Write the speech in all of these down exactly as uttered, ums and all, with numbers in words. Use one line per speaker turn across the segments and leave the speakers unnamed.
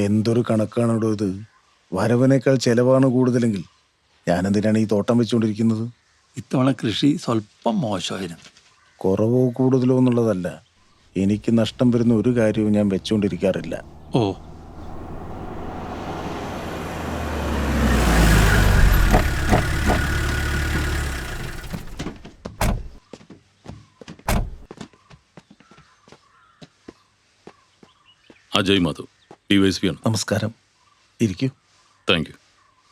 എന്തൊരു കണക്കാണോ ഇത്? വരവിനേക്കാൾ ചെലവാണ് കൂടുതലെങ്കിൽ ഞാനെന്തിനാണ് ഈ തോട്ടം വെച്ചുകൊണ്ടിരിക്കുന്നത്?
ഇത്തവണ കൃഷി സ്വല്പം മോശമായിരുന്നു.
കുറവോ കൂടുതലോ എന്നുള്ളതല്ല, എനിക്ക് നഷ്ടം വരുന്ന ഒരു കാര്യവും ഞാൻ വെച്ചുകൊണ്ടിരിക്കാറില്ല.
ഓ,
Ajay Madhav, D Y S P ആണ്.
നമസ്കാരം, ഇരിക്കൂ.
Thank you.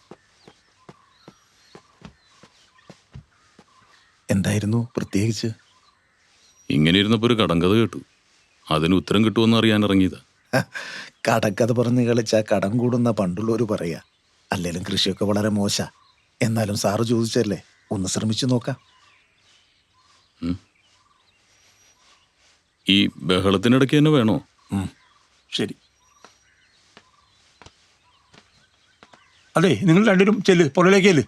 എന്തായിരുന്നു പ്രത്യേകിച്ച്?
ഇങ്ങനെ ഇരുന്നപ്പോൾ ഒരു കടങ്കഥ കേട്ടു. അതിന് ഉത്തരം കിട്ടുമെന്ന് അറിയാൻ ഇറങ്ങിയതാ.
കടക്കഥ പറഞ്ഞ് കളിച്ചാൽ കടം കൂടുന്ന പണ്ടുള്ളവർ പറയാ. അല്ലെങ്കിലും കൃഷിയൊക്കെ വളരെ മോശ. എന്നാലും സാറ് ചോദിച്ചല്ലേ, ഒന്ന് ശ്രമിച്ചു നോക്കാം.
ഈ ബഹളത്തിനിടയ്ക്ക് തന്നെ വേണോ?
ശരി. അതെ, നിങ്ങൾ രണ്ടുപേരും ചെല്ല്, പുറകിലേക്ക് ചെല്ല്.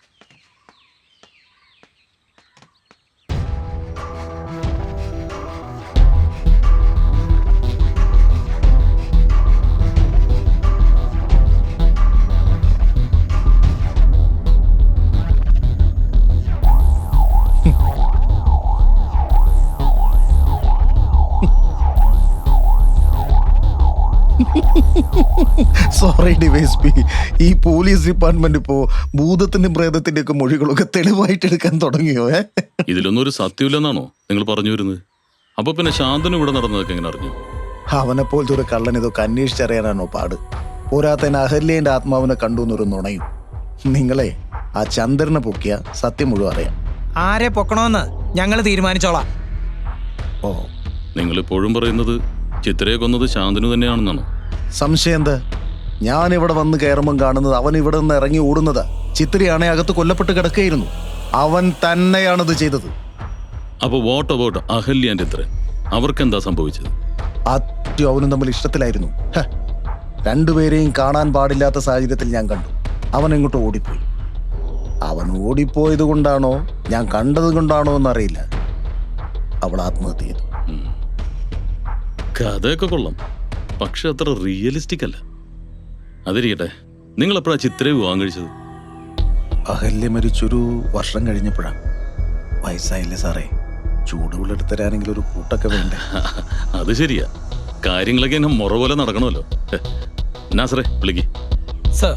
സോറി ഡിവൈസ് പി, ഈ പോലീസ് ഡിപ്പാർട്ട്മെന്റ് ഇപ്പോ ഭൂതത്തിന്റെയും പ്രേതത്തിന്റെ ഒക്കെ മൊഴികളൊക്കെ തെളിവായിട്ട് എടുക്കാൻ തുടങ്ങിയോ? ഏ
ഇതിലൊന്നും ഒരു സത്യമില്ലെന്നാണോ നിങ്ങൾ പറഞ്ഞു വരുന്നത്? അപ്പൊ പിന്നെ ശാന്തനു ഇവിടെ നടന്നതൊക്കെ എങ്ങനെ അറിഞ്ഞു?
അവനെ പോലത്തെ ഒരു കള്ളൻ ഇതൊക്കെ അന്വേഷിച്ചറിയാനാണോ പാട്? പോരാത്തതിന് അഹല്യേന്റെ ആത്മാവിനെ കണ്ടു എന്നൊരു നുണയും. നിങ്ങളെ ആ ചന്ദ്രനെ പൊക്കിയ സത്യം മുഴുവൻ അറിയാം.
ആരെ പൊക്കണോന്ന് ഞങ്ങൾ തീരുമാനിച്ചോളാം.
ഓ,
നിങ്ങളിപ്പോഴും പറയുന്നത് ചിത്രയെ കൊന്നത് ശാന്തനു തന്നെയാണെന്നാണോ?
സംശയം എന്താ? ഞാൻ ഇവിടെ വന്ന് കയറുമ്പം കാണുന്നത് അവൻ ഇവിടെ നിന്ന് ഇറങ്ങി ഓടുന്നതാ. ചിത്രയാണെ അകത്ത് കൊല്ലപ്പെട്ട് കിടക്കുകയായിരുന്നു. അവൻ തന്നെയാണിത് ചെയ്തത്.
അപ്പൊ what about Ahalya and Chitra? അവർക്കെന്താ സംഭവിച്ചത്?
ആറ്റും അവനും തമ്മിൽ ഇഷ്ടത്തിലായിരുന്നു. രണ്ടുപേരെയും കാണാൻ പാടില്ലാത്ത സാഹചര്യത്തിൽ ഞാൻ കണ്ടു. അവൻ എങ്ങോട്ട് ഓടിപ്പോയി. അവൻ ഓടിപ്പോയത് കൊണ്ടാണോ ഞാൻ കണ്ടത് കൊണ്ടാണോ എന്നറിയില്ല, അവൾ ആത്മഹത്യ ചെയ്തു.
കഥയൊക്കെ കൊള്ളാം, പക്ഷെ അത്ര റിയലിസ്റ്റിക് അല്ല. അതിരിക്കട്ടെ, നിങ്ങൾ എപ്പോഴാ ചിത്രയെ വിവാഹം കഴിച്ചത്?
അഹല്യ മരിച്ചൊരു വർഷം കഴിഞ്ഞപ്പോഴാണ്. വയസ്സായില്ലേ സാറേ, ചൂടുവെള്ളെടുത്ത് തരാനെങ്കിലും ഒരു കൂട്ടൊക്കെ വേണ്ടേ?
അത് ശരിയാ, കാര്യങ്ങളൊക്കെ എന്നെ മുറ പോലെ നടക്കണമല്ലോ. നാസറേ, വിളിക്ക്.
സർ,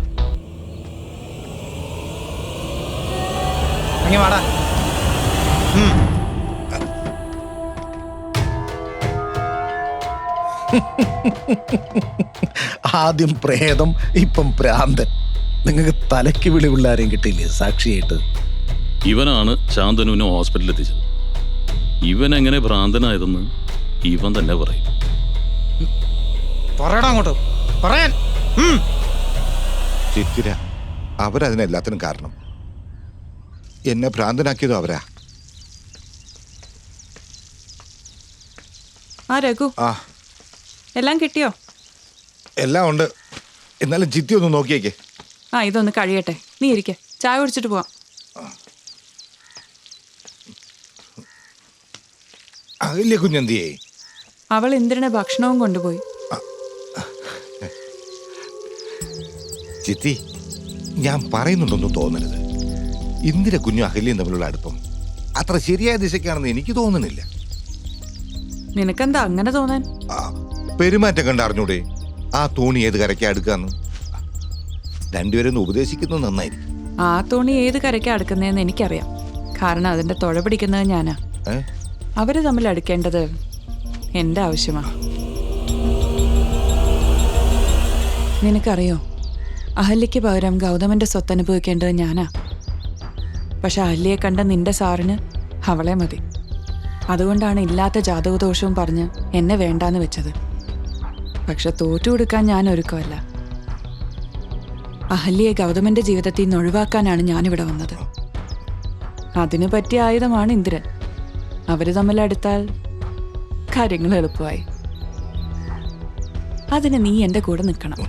വാടാ.
ആദ്യം പ്രേതം, ഇപ്പം ഭ്രാന്തൻ. നിങ്ങൾക്ക് തലയ്ക്ക് വിളി പിള്ളാരെയും കിട്ടിയില്ലേ സാക്ഷിയായിട്ട്?
ഇവനാണ് ശാന്തനുവിനെ ഹോസ്പിറ്റലിൽ എത്തിച്ചത്. ഇവൻ എങ്ങനെ ഭ്രാന്തനായതെന്ന് ഇവൻ തന്നെ പറയും.
പറയടാ അങ്ങോട്ട്, പറയാൻ.
ചിത്തിര, അവരതിനെല്ലാത്തിനും കാരണം. എന്നെ ഭ്രാന്തനാക്കിയതും അവരാ.
ആ രഘു,
ആ,
എല്ലാം കിട്ടിയോ?
എല്ലാം ഉണ്ട്. എന്നാലും ചിത്തി ഒന്ന് നോക്കിയേക്കേ.
ആ, ഇതൊന്ന് കഴിയട്ടെ. നീ ഇരിക്കെ, ചായ കുടിച്ചിട്ട് പോവാം.
അകല്യ കുഞ്ഞെന്തിയേ?
അവൾ ഇന്ദ്രനെ ഭക്ഷണവും കൊണ്ടുപോയി.
ചിത്തി, ഞാൻ പറയുന്നുണ്ടൊന്നും തോന്നരുത്. ഇന്ദിര കുഞ്ഞും അഹല്യയും തമ്മിലുള്ള അടുപ്പം അത്ര ശരിയായ ദിശയ്ക്കാണെന്ന് എനിക്ക് തോന്നുന്നില്ല.
നിനക്കെന്താ അങ്ങനെ തോന്നാൻ?
ആ, പെരുമാറ്റം കണ്ട് അറിഞ്ഞൂടെ ആ തോണി ഏത് കരയ്ക്കാ അടുക്കാന്ന്? രണ്ടുപേരൊന്ന് ഉപദേശിക്കുന്നത് നന്നായിരിക്കും.
ആ തോണി ഏത് കരയ്ക്കാ അടുക്കുന്നതെന്ന് എനിക്കറിയാം. കാരണം അതിന്റെ തുഴ പിടിക്കുന്നത് ഞാനാ. അവര് തമ്മിൽ അടുക്കേണ്ടത് എന്റെ ആവശ്യമാ. നിനക്കറിയോ, അഹല്യയ്ക്ക് പകരം ഗൗതമന്റെ സ്വത്ത് അനുഭവിക്കേണ്ടത് ഞാനാ. പക്ഷെ അഹല്യയെ കണ്ട നിന്റെ സാറിന് അവളെ മതി. അതുകൊണ്ടാണ് ഇല്ലാത്ത ജാതകദോഷവും പറഞ്ഞ് എന്നെ വേണ്ടാന്ന് വെച്ചത്. പക്ഷെ തോറ്റു കൊടുക്കാൻ ഞാൻ ഒരുക്കമല്ല. അഹല്യയെ ഗൗതമന്റെ ജീവിതത്തിൽ നിന്ന് ഒഴിവാക്കാനാണ് ഞാനിവിടെ വന്നത്. അതിനു പറ്റിയ ആയുധമാണ് ഇന്ദ്രൻ. അവര് തമ്മിലടുത്താൽ കാര്യങ്ങൾ എളുപ്പമായി. അതിന് നീ എന്റെ കൂടെ നിൽക്കണം.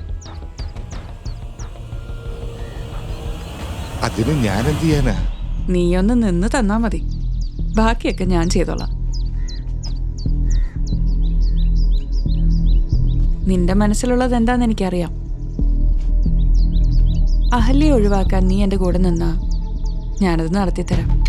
അതിന് ഞാൻ എന്ത് ചെയ്യാനാ?
നീയൊന്ന് നിന്ന് തന്നാ മതി, ബാക്കിയൊക്കെ ഞാൻ ചെയ്തോളാം. നിന്റെ മനസ്സിലുള്ളത് എന്താന്ന് എനിക്കറിയാം. അഹല്യെ ഒഴിവാക്കാൻ നീ എൻ്റെ കൂടെ നിന്നാ ഞാനത് നടത്തിത്തരാം.